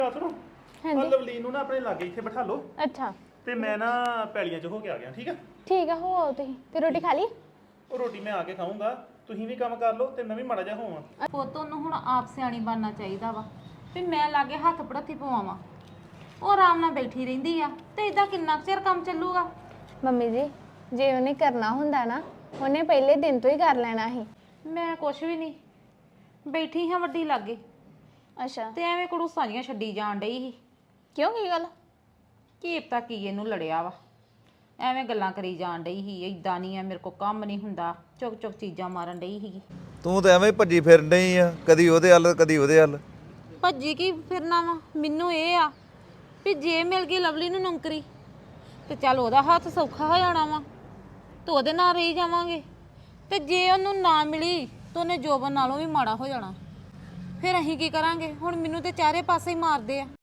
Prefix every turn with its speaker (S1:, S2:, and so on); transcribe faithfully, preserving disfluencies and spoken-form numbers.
S1: ਸੁਣੋ ਆ
S2: ਹਾਂਜੀ
S1: ਲਵਲੀਨ ਨੂੰ ਨਾ ਆਪਣੇ ਲਾਗੇ ਇੱਥੇ ਬਿਠਾ ਲਓ
S2: ਅੱਛਾ
S1: ਤੇ ਮੈਂ ਨਾ ਪੈਲੀਆਂ 'ਚ ਹੋ ਕੇ ਆ ਗਿਆ ਠੀਕ ਆ
S2: ਠੀਕ ਆ ਹੋ ਆਓ ਤੁਸੀਂ ਤੇ ਰੋਟੀ ਖਾ ਲਈ
S1: ਉਹ ਰੋਟੀ ਮੈਂ ਆ ਕੇ ਖਾਊਂਗਾ ਤੁਸੀਂ ਵੀ ਕੰਮ ਕਰ ਲਓ ਤੇ ਮੈਂ ਵੀ ਮਾੜਾ ਜਿਹਾ ਹੋਵਾਂ
S3: ਪੁੱਤ ਉਹਨੂੰ ਹੁਣ ਆਪ ਸਿਆਣੀ ਬਣਨਾ ਚਾਹੀਦਾ ਵਾ ਵੀ ਮੈਂ ਲਾਗੇ ਹੱਥ ਪੜਾਤੀ ਪਵਾਵਾਂ ਉਹ ਆਰਾਮ ਨਾਲ ਬੈਠੀ ਰਹਿੰਦੀ ਆ ਤੇ ਇਦਾਂ ਕਿੰਨਾ ਕੁ ਚਿਰ ਕੰਮ ਚੱਲੂਗਾ।
S2: ਮੰਮੀ ਜੀ ਜੇ ਉਹਨੇ ਕਰਨਾ ਹੁੰਦਾ ਨਾ ਉਹਨੇ ਪਹਿਲੇ ਦਿਨ ਤੋਂ ਹੀ ਕਰ ਲੈਣਾ ਸੀ।
S3: ਮੈਂ ਕੁਛ ਵੀ ਨਹੀਂ ਬੈਠੀ ਹਾਂ ਵੱਡੀ ਲਾਗੇ
S2: ਅੱਛਾ
S3: ਤੇ ਐਵੇਂ ਕੜੂਸਾਂ ਜੀਆਂ ਛੱਡੀ ਜਾਣ ਡਈ ਸੀ।
S2: ਕਿਉਂ ਕੀ ਗੱਲ
S3: ਕੀ ਪਤਾ ਕੀ ਇਹਨੂੰ ਲੜਿਆ ਵਾ ਐਵੇਂ ਗੱਲਾਂ ਕਰੀ ਜਾਣ ਡਈ ਸੀ ਇਦਾਂ ਨਹੀਂ ਆ ਮੇਰੇ ਕੋ ਕੰਮ ਨਹੀਂ ਹੁੰਦਾ ਚੁੱਕ ਚੁੱਕ ਚੀਜ਼ਾਂ ਮਾਰਨ ਡਈ ਸੀਗੀ।
S4: ਤੂੰ ਤਾਂ ਐਵੇਂ ਭੱਜੀ ਫਿਰਨ ਡਈ ਆ ਕਦੀ ਉਹਦੇ ਹੱਲ ਕਦੀ ਉਹਦੇ ਹੱਲ।
S3: ਭੱਜੀ ਕੀ ਫਿਰਨਾ ਵਾ ਮੈਨੂੰ ਇਹ ਆ ਵੀ ਜੇ ਮਿਲ ਗਈ ਲਵਲੀ ਨੂੰ ਨੌਕਰੀ ਤੇ ਚੱਲ ਉਹਦਾ ਹੱਥ ਸੌਖਾ ਹੋ ਜਾਣਾ ਵਾ ਤੇ ਉਹਦੇ ਨਾਲ ਰਹੀ ਜਾਵਾਂਗੇ ਤੇ ਜੇ ਉਹਨੂੰ ਨਾ ਮਿਲੀ ਤਾਂ ਉਹਨੇ ਜੋਬਨ ਨਾਲੋਂ ਵੀ ਮਾੜਾ ਹੋ ਜਾਣਾ। ਫਿਰ ਅਸੀਂ ਕੀ ਕਰਾਂਗੇ ਹੁਣ ਮੈਨੂੰ ਤੇ ਚਾਰੇ ਪਾਸੇ ਹੀ ਮਾਰਦੇ ਆ।